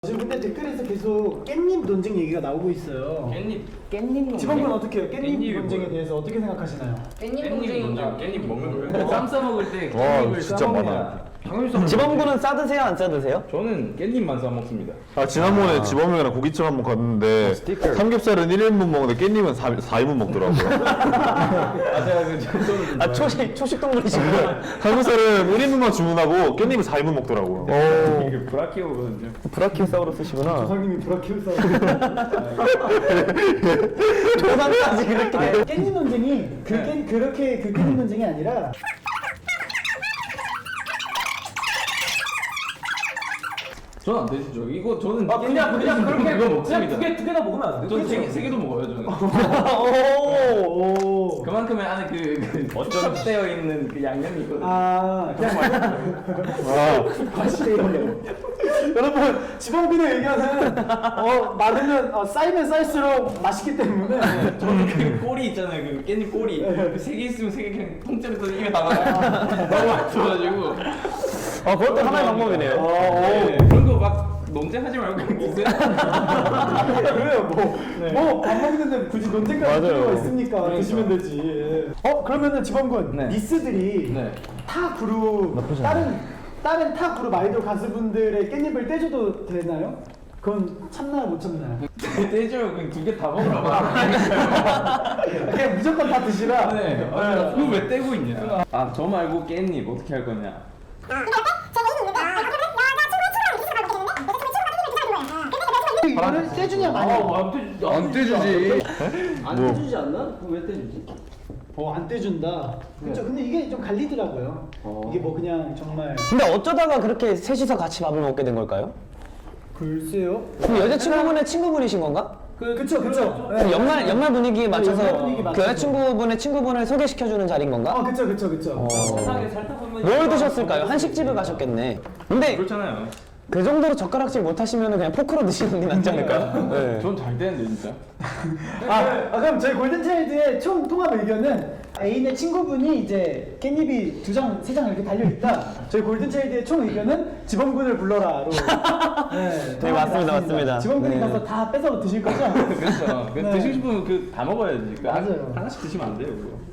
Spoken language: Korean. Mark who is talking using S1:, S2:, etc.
S1: 지금 근데 댓글에서 계속 깻잎 논쟁 얘기가 나오고 있어요.
S2: 깻잎
S1: 지범군 어떻게 해요? 깻잎
S3: 깻잎이
S1: 논쟁에
S3: 뭐예요?
S1: 대해서 어떻게 생각하시나요?
S2: 깻잎
S3: 깻잎
S2: 논쟁인가?
S3: 먼저 깻잎 먹는 거예요? 쌈 싸먹을 때
S4: 와,
S3: 깻잎을
S4: 진짜
S3: 싸먹냐? 당연히
S5: 지범군은 싸드세요 안 싸드세요?
S3: 저는 깻잎만 싸먹습니다.
S4: 아 지난번에 지범이랑 고깃집 한번 갔는데 삼겹살은 1인분 먹는데 깻잎은 4인분 먹더라고요.
S3: 아 제가 저는
S5: 아 초식 동물이시구나.
S4: 삼겹살은 1인분만 주문하고 깻잎은 4인분 먹더라고요.
S3: 이게 브라키오거든요.
S5: 브라키오사우루스시구나.
S1: 조상님이 브라키오사우루스.
S5: 조상까지 그렇게.
S1: 깻잎 논쟁이 그렇게 그 깻잎 논쟁이 아니라
S3: 저는 안 되시죠. 이거 저는
S6: 그냥 그렇게
S3: 그거 먹습니다.
S6: 두 개 다 먹으면 안 돼.
S3: 저는 세 개도 먹어요. 저는.
S1: 오.
S3: 그만큼의 안에 그 추적되어 있는 그 양념이 있거든요.
S1: 아 그냥 여러분 지범군의 의견은 많으면 쌓이면 쌓일수록 맛있기 때문에
S3: 저는 그 꼬리 있잖아요. 그 깻잎 꼬리. 그 세 개 있으면 세 개 그냥 통째로 떠서 입에 나가요. 너무 맛있어가지고.
S5: 그것도 하나의 방법이네요.
S3: 네, 그런 거 막 논쟁하지 말고 그냥 드세요.
S1: 그래요 뭐밥 먹는데 굳이 논쟁까지
S4: 맞아요.
S1: 필요가 있습니까? 드시면 되지. 그러면은 지범군
S3: 네.
S1: 니스들이
S3: 네.
S1: 타 그룹 다른 타 그룹 아이돌 가수분들의 깻잎을 떼줘도 되나요? 그건 참나요 못 참나요?
S3: 떼줘요. 그냥 두 개 다 먹으라고.
S1: 그냥 무조건 다 드시라.
S3: 네. 그거 왜 떼고 있냐? 아, 저 말고 깻잎 어떻게 할 거냐?
S1: 이거를 떼주냐 마냐?
S3: 안 떼주지.
S6: 안 떼주지 않나? 그럼 왜 떼주지?
S1: 안 떼준다. 그렇죠. 근데 이게 좀 갈리더라고요. 이게 뭐 그냥 정말
S5: 근데 어쩌다가 그렇게 셋이서 같이 밥을 먹게 된 걸까요?
S1: 글쎄요.
S5: 그럼 여자친구분의 친구분이신 건가?
S1: 그쵸.
S5: 그럼 연말 분위기에 맞춰서
S1: 연말 분위기
S5: 그
S1: 맞춰서.
S5: 여자친구분의 친구분을 소개시켜주는 자리인 건가?
S1: 그쵸.
S6: 세상에 살다 보면
S5: 뭘 드셨을까요? 한식집을 가셨겠네. 근데
S3: 그렇잖아요.
S5: 그 정도로 젓가락질 못하시면 그냥 포크로 드시는 게 낫지 않을까요? 네.
S3: 전 잘 되는데 진짜.
S1: 그럼 저희 골든차일드의 총 통합 의견은 애인의 친구분이 이제 깻잎이 2장, 3장 이렇게 달려있다. 저희 골든차일드의 총 의견은 지범군을 불러라로.
S5: 네, 맞습니다.
S1: 지범군이
S5: 네.
S1: 가서 다 뺏어 드실 거죠?
S3: 그렇죠.
S1: 네.
S3: 드시고 싶으면 그 다 먹어야지.
S1: 맞아요.
S3: 하나씩 드시면 안 돼요. 그거.